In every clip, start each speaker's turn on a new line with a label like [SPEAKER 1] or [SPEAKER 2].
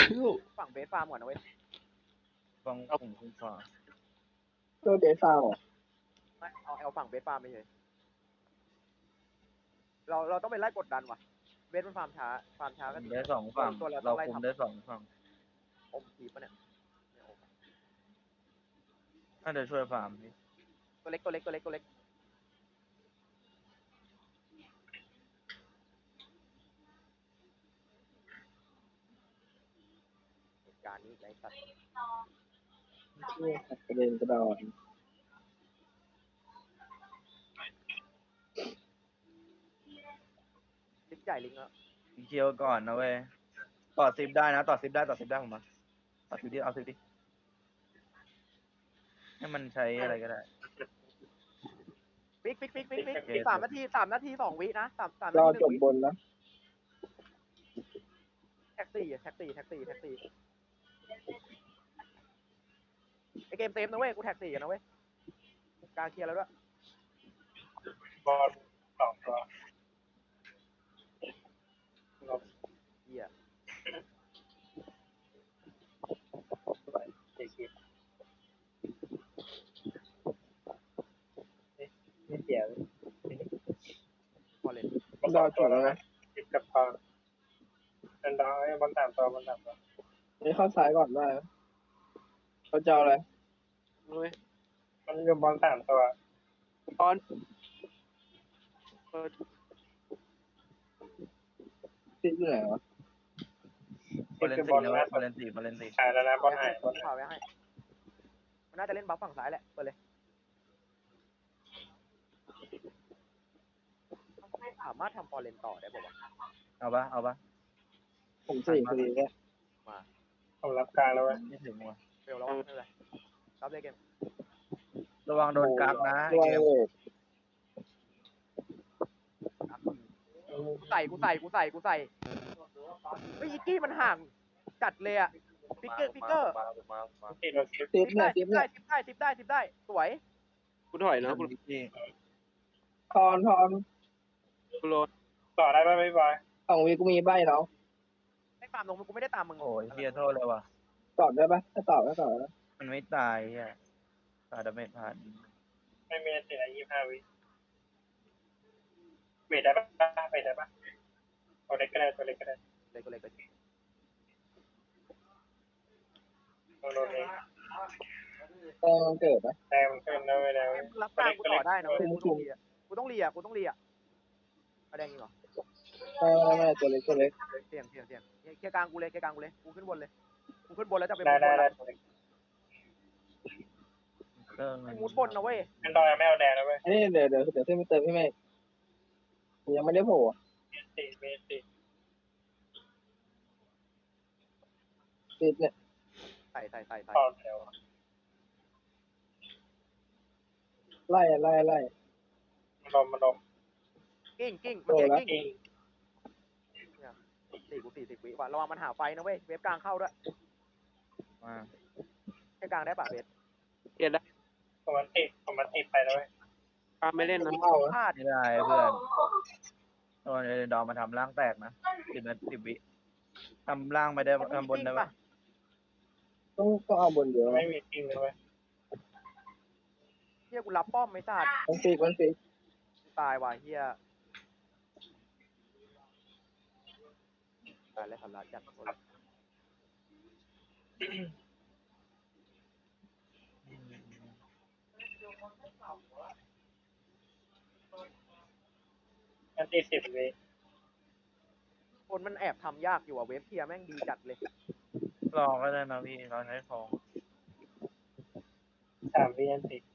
[SPEAKER 1] ฝั่งเบสฟาร์มก่อนนะเว้ย
[SPEAKER 2] ฟังผมคุณฟ้า
[SPEAKER 3] ตัวเดซ่าเหรอ
[SPEAKER 1] ไม่เอาฝั่งเบสฟาร์มไปเลยเราต้องไปไล่กดดันว่ะเบสมันฟาร์มช้าก็
[SPEAKER 2] ได้สองฝั่ง
[SPEAKER 1] ตัวเราต้
[SPEAKER 2] เรา
[SPEAKER 1] องไล่
[SPEAKER 2] คุม
[SPEAKER 1] ทำ
[SPEAKER 2] ได้สองฝั่ง
[SPEAKER 1] อมทีปะเนี่ยไม่อม
[SPEAKER 2] น่าจะช่วยฟาร์มพี่
[SPEAKER 1] ตัวเล็กเหตุการณ์นี้ไรสัตว์
[SPEAKER 3] นี่กระเด็นกระดอน
[SPEAKER 1] ลิกใหญ่ลิงแล้ว
[SPEAKER 2] เคียวก่อนนะเว้ยต่อซิปได้นะต่อซิปได้ผมมาต่อซิปดิเอาซิปดิให้มันใช้อะไรก็ได้
[SPEAKER 1] ปิ๊ก
[SPEAKER 2] โอเค
[SPEAKER 1] 3 นาที2 วินะ3
[SPEAKER 3] ร
[SPEAKER 1] นา
[SPEAKER 3] อ
[SPEAKER 1] ที
[SPEAKER 3] จ
[SPEAKER 1] 1 วิ
[SPEAKER 3] บบนนะ
[SPEAKER 1] แท็กซี่ไอเกมเซฟนะเว้ยกูแท็กซี่กันนะเว้ยการเคลียร์แล้วด้วย
[SPEAKER 4] บอลสองตัว
[SPEAKER 1] เหี้ย
[SPEAKER 4] สี่คิดไม่เสีย
[SPEAKER 1] พอเล่น
[SPEAKER 3] รอจบแล้วนะ
[SPEAKER 4] คิดกับพอเป็นดาวไอ้บอลสามตัว
[SPEAKER 3] นี่เข้าซ้ายก่อนได้นะเขาจะเอาอะไร
[SPEAKER 1] เว้ย
[SPEAKER 4] มันอยู่บอลสามตัว
[SPEAKER 1] ตอน
[SPEAKER 3] ติดอยู่ไหนวะ
[SPEAKER 2] บอลเลนตีนะเว้ยบอลเลนตี
[SPEAKER 4] หายแล้วนะบอลหายบอล
[SPEAKER 1] ฝ่าไว้ให้มันน่าจะเล่นบัฟฝั่งซ้ายแหละเปิดเลยสามารถทำพอเล่นต่อได้ป่าวะ
[SPEAKER 2] เอาปะ
[SPEAKER 3] ผมสี่พอดีเนี่ย
[SPEAKER 1] มา
[SPEAKER 4] ผมรับกลางแล้วเว้ย
[SPEAKER 2] ไม่ถึงว่ะ
[SPEAKER 1] เร็วแล้วไม่เป็นไรรับเลยเกม
[SPEAKER 2] ระวังโดนกักนะ
[SPEAKER 3] ด้วย
[SPEAKER 2] เกม
[SPEAKER 3] เวท
[SPEAKER 1] กูใส่เฮ้ยอีกกี้มันห่างจัดเลยอะฟิกเกอร์
[SPEAKER 4] ติดเราคิด
[SPEAKER 3] ติดเนี่ยติดเนี่ย
[SPEAKER 1] สิบได้สวย
[SPEAKER 5] กูถอยนะกู
[SPEAKER 2] พี่
[SPEAKER 3] ทอน
[SPEAKER 5] กูโลด
[SPEAKER 4] ต่อได้ป่ะไม่บอย
[SPEAKER 3] 2 วิกูมีใบเนาะ
[SPEAKER 1] ไม่ตามลงกูไม่ได้ตามมึง
[SPEAKER 2] โอ้ยเฮียโทษเลยว่ะ
[SPEAKER 3] ตอบได้ปะถ้าตอบก็ตอบนะ
[SPEAKER 2] มันไม่ตายเฮียตายดาเมจผ่าน
[SPEAKER 4] ไม่มีติดอะไร25 วิเวทได้ป่ะตัวเล็กก็ได้
[SPEAKER 1] เลยก็
[SPEAKER 4] โดนเอง
[SPEAKER 3] แต่มันเกิดนะ
[SPEAKER 4] แต่มันขึ้นแล้วไปแล้ว
[SPEAKER 1] รับกลางกูต่อได้นะกูต้องเลียกูต้องเลียอะไรอย่างงี้เหรอ
[SPEAKER 3] ไม่ตัวเล็ก
[SPEAKER 1] เสี่ยงเคลียร์กลางกูเลยกูขึ้นบนเลยกูขึ้นบนแล้วจะไป
[SPEAKER 4] ได้
[SPEAKER 1] มุดบนนะเว้ย
[SPEAKER 4] เป็นดอยไม่เอาแดงแล้วเว้ย
[SPEAKER 3] นี่เดี๋ยวขึ้นไปเติมพี่เมฆยังไม่ได้โผล่
[SPEAKER 4] เมตร
[SPEAKER 3] ติดเนี่ย
[SPEAKER 1] ใส่
[SPEAKER 4] ต่อแถว
[SPEAKER 3] ไล่
[SPEAKER 4] มาลม
[SPEAKER 1] กิ้งมันเก่งกิ้ง
[SPEAKER 4] อิง
[SPEAKER 1] 40 วิว่ะระวังมันหาไฟนะเว้ยเวฟกลางเข้าด้วย
[SPEAKER 2] มา
[SPEAKER 1] แค่กลางได้ป่ะเวฟ
[SPEAKER 5] เกียร์ได้
[SPEAKER 4] ผมมันติดไปแล้วเว้ย
[SPEAKER 5] ปาไม่เล่นนะ
[SPEAKER 3] เข้า
[SPEAKER 1] พลาด
[SPEAKER 2] ไม่ได้เพื่อนโดนเอเดนดอมมาทำร่างแตกนะ10 วิทำร่างไม่ได้ทำบนได้ปะ
[SPEAKER 3] ต้องเอาบนเยอะ
[SPEAKER 4] ไม่มีจริงเลยเว้ย
[SPEAKER 1] เฮียกูรับป้อมไม่ทราบ
[SPEAKER 3] มันฟิก
[SPEAKER 1] ตายว่ะเฮียตายแล้วสำลักจัด
[SPEAKER 4] มันติด10 วิ
[SPEAKER 1] คนมันแอบทำยากอยู่อ่ะเวฟเทียแม่งดีจัดเลย
[SPEAKER 2] ลองก็ได้นะพี่เราใช้ของ
[SPEAKER 4] 3 วิอันติด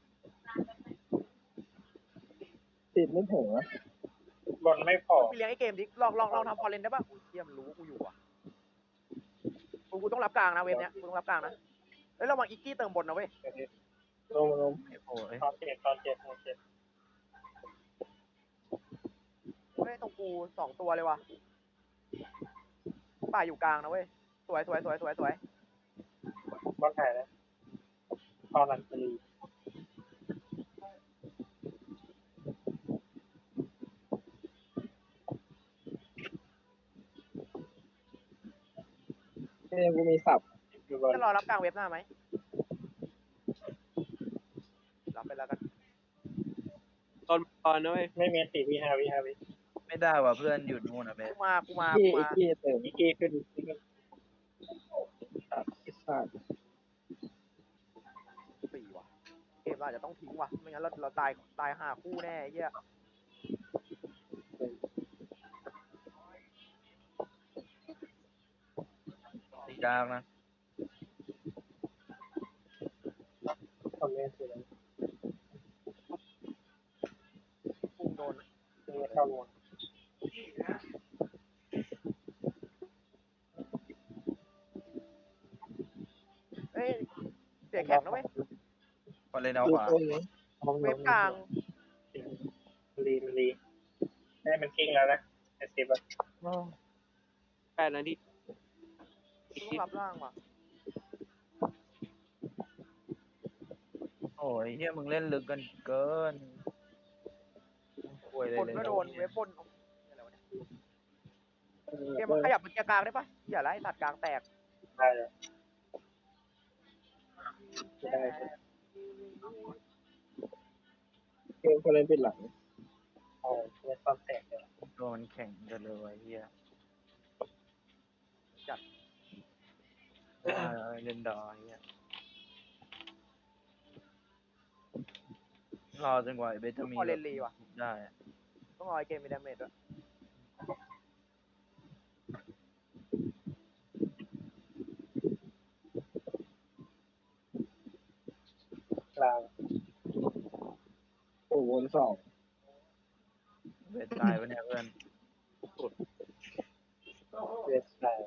[SPEAKER 3] ติดไม่ถึงนะ
[SPEAKER 4] บนไม่พอ
[SPEAKER 1] ไปเลี้ยงไอ้เกมดิลองทำพอเลนได้ป่ะเฮียมันรู้ว่ากูอยู่อ่ะกูต้องรับกลางนะเวฟเนี้ยกูต้องรับกลางนะเฮ้ยระวังอีกกี้เติมบนนะเว้ย
[SPEAKER 3] ลง
[SPEAKER 2] โอ้ย
[SPEAKER 4] ตอนเจ็ด
[SPEAKER 1] เฮ้ยตรงกู2 ตัวเลยว่ะป่าอยู่กลางนะเว้ยสวย
[SPEAKER 4] บอลหายแล้วตอนหลังตี
[SPEAKER 3] กูมีสับ
[SPEAKER 4] อยู่บน
[SPEAKER 1] จะรอรับกลางเว็บหน้าไหมรับไปแล้วกัน
[SPEAKER 5] ตอนตอนนะเว้ย
[SPEAKER 4] ไม่มีสี่วิห้าวิ
[SPEAKER 2] ไม่ได้ว่ะเพื่อนอยู่นู่นอ่ะเบส
[SPEAKER 1] กูมา
[SPEAKER 3] อีกกี้เติม
[SPEAKER 4] อีกกี้ขึ้น
[SPEAKER 3] อิสระ
[SPEAKER 1] สี่ว่ะเกมเราอาจจะต้องทิ้งว่ะไม่งั้นเราตายห่าคู่แน่ไอ้เหี้ย
[SPEAKER 2] ตียากนะ
[SPEAKER 4] ทำไม่ถูก
[SPEAKER 1] พุ่งโดน
[SPEAKER 4] ไม่เข้าลง
[SPEAKER 1] เอ้ยเสียแข็งนะเว้ย
[SPEAKER 2] พอเล่นเอาขวา
[SPEAKER 3] ต้นนี้
[SPEAKER 1] เว็บกลาง
[SPEAKER 4] รีได้มันกิ้งแล้วนะไอ้สิบอะ
[SPEAKER 5] แปดนาที
[SPEAKER 1] ต้องรับร่างว่ะ
[SPEAKER 2] โอ้ยเฮียมึงเล่นลึกกันเกินป่วยเลย
[SPEAKER 1] บน
[SPEAKER 2] เลย
[SPEAKER 1] ก็โดนเว็บบนอะไรวะเนี่ย
[SPEAKER 3] เอ
[SPEAKER 1] เกมมันขยับเป็นเกียร์กลางได้ปะอย่าไล่ตัดกลางแตก
[SPEAKER 4] ได้เลยได้
[SPEAKER 3] เกมคนเล่นปิดหลัง
[SPEAKER 4] โอ้ไม่ความแตกเลย
[SPEAKER 2] ตัวมันแข็งกันเลยว่ะเฮีย
[SPEAKER 1] จัด
[SPEAKER 2] เล่นดอเฮียรอจนกว่าไอ้เบสจะมี
[SPEAKER 1] พอเล่นรีว่ะ
[SPEAKER 2] ได้อะ
[SPEAKER 1] ต้องรอไอ้เกมมีดาเมจด้วย
[SPEAKER 4] กลาง
[SPEAKER 3] โอ้วนสอง
[SPEAKER 2] เบสตายปะเนี่ยเพื่อน
[SPEAKER 4] เวสไลน์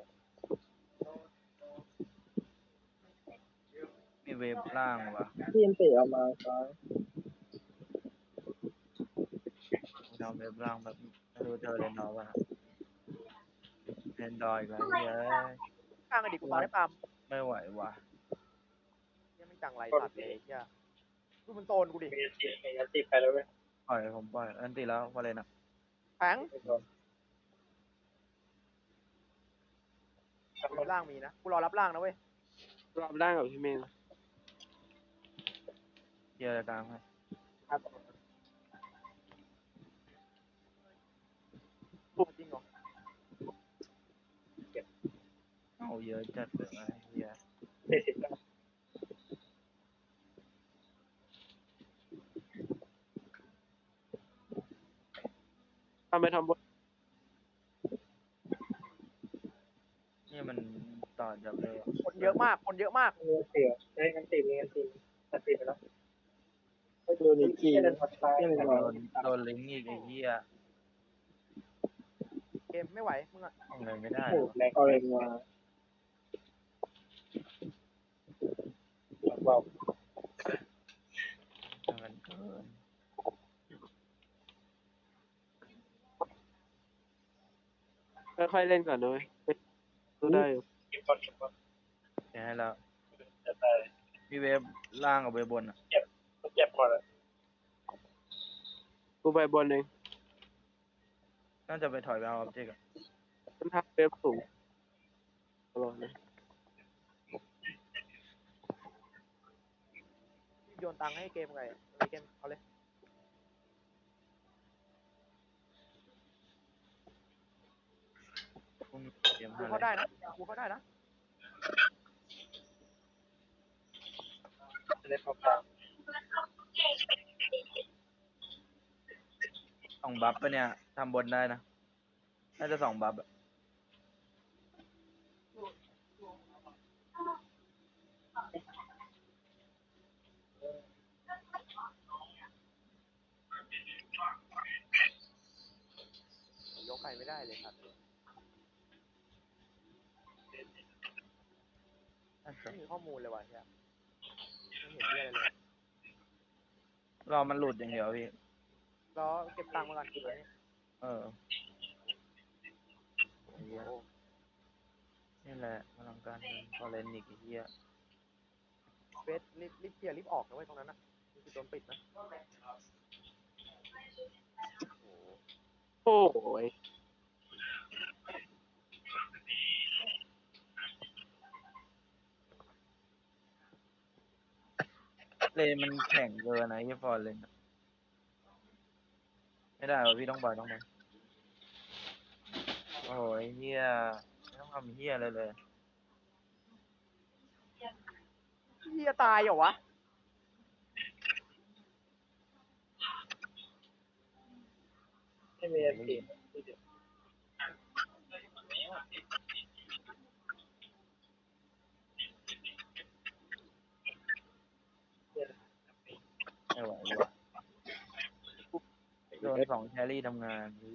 [SPEAKER 2] มีเวฟล่างว่ะ
[SPEAKER 3] ทีมเตะเอามาซ้าย
[SPEAKER 2] ทำเวฟล่างแบบไม่รู้เจอเล่นดอป่ะนะเล่นดออีกแล้วเฮีย
[SPEAKER 1] กลางอดีตกูมาได้ปาม
[SPEAKER 2] ไม่ไหวว่ะ
[SPEAKER 1] ยังไม่จังไรตัดเลยไอ้เหี้ยดูมันโซนกูดิ
[SPEAKER 4] มียันตีไปแล้วเว้ย
[SPEAKER 2] ปล่อยผมปล่อยอันตีแล้วพอเลยนะ
[SPEAKER 1] แข็ง
[SPEAKER 4] ไม่โดน
[SPEAKER 1] เว็บล่างมีนะกูรอรับล่างนะเว้ย
[SPEAKER 5] รับได้กับพี่เมย์
[SPEAKER 2] เฮียกลางให้
[SPEAKER 1] จริงเหรอ
[SPEAKER 2] เอาเยอะจัดเลยนะเฮีย
[SPEAKER 4] 40แล้ว
[SPEAKER 5] ทำไปทำบน
[SPEAKER 2] นี่มันต่อจากเลย
[SPEAKER 1] คนเยอะมากคนเยอะมาก
[SPEAKER 4] มีเสียได้งันตีมีงันตีตัดตีไปแล้ว
[SPEAKER 3] โดนอีกกี้
[SPEAKER 4] เดินมาซ้าย
[SPEAKER 2] โดนลิงก์อีกไอ้เฮีย
[SPEAKER 1] เกมไม่ไหวมึงอะ
[SPEAKER 2] ทำอะไรไม่ได้
[SPEAKER 4] โอ้
[SPEAKER 2] วะ
[SPEAKER 4] แรง
[SPEAKER 3] เอาเองมา
[SPEAKER 4] ว้าว
[SPEAKER 2] ทำกันเกิน
[SPEAKER 5] ค่อยๆเล่นก่อนนะเว้ยดูได้อยู่
[SPEAKER 4] เก็บก่อนเก็บก่อน
[SPEAKER 2] แค่ให้แล้ว
[SPEAKER 4] จะตาย
[SPEAKER 2] พี่เวฟล่างกับเวฟบนอ่ะ
[SPEAKER 4] เจ็บหมดเลย
[SPEAKER 5] กูไปบนเอง
[SPEAKER 2] น่าจะไปถอยไปเอาออบเจกต์อะ
[SPEAKER 5] มันทักเว็บสูงตลอดนะ
[SPEAKER 1] โยนตังค์ให้เกมไงไอ้เกมเอาเลย
[SPEAKER 2] พุ่งเกม
[SPEAKER 1] กู
[SPEAKER 2] ห้า
[SPEAKER 1] เขา
[SPEAKER 2] เลย
[SPEAKER 1] ได้นะกูเขาได้นะ
[SPEAKER 4] จะได้เข้ากลาง
[SPEAKER 2] สองบัฟปะเนี่ยทำบนได้นะน่าจะสองบัฟอะ
[SPEAKER 1] ยกใครไม่ได้เลยครับ
[SPEAKER 2] น่าจะ
[SPEAKER 1] ไม่มีข้อมูลเลยว่ะเนี่ยไม่เห็นเรื่องอะไรเลย
[SPEAKER 2] รอมันหลุดอย่างเดียวพี่
[SPEAKER 1] แล้วเก็บตังค์มากันเลย
[SPEAKER 2] เออไอ้เหี้ยนี่แหละพลังการเงินพอเล่นอีกไอ้เหี้ย
[SPEAKER 1] เฟสรีบเคลียร์รีบออกนะเว้ยตรงนั้นนะมันคือโดนปิดนะ
[SPEAKER 5] โอ้ย
[SPEAKER 2] เลนมันแข็งเกินนะที่ฟอร์เลนอะไม่ได้วะพี่ต้องปล่อยต้องไปโอ้ยเฮียไม่ต้องทำเฮียอะไรเลย
[SPEAKER 1] เฮียตายเหรอวะ
[SPEAKER 3] ไม่มีอันตี
[SPEAKER 2] ไม่ไหววะโดน2 แครี่ทำงาน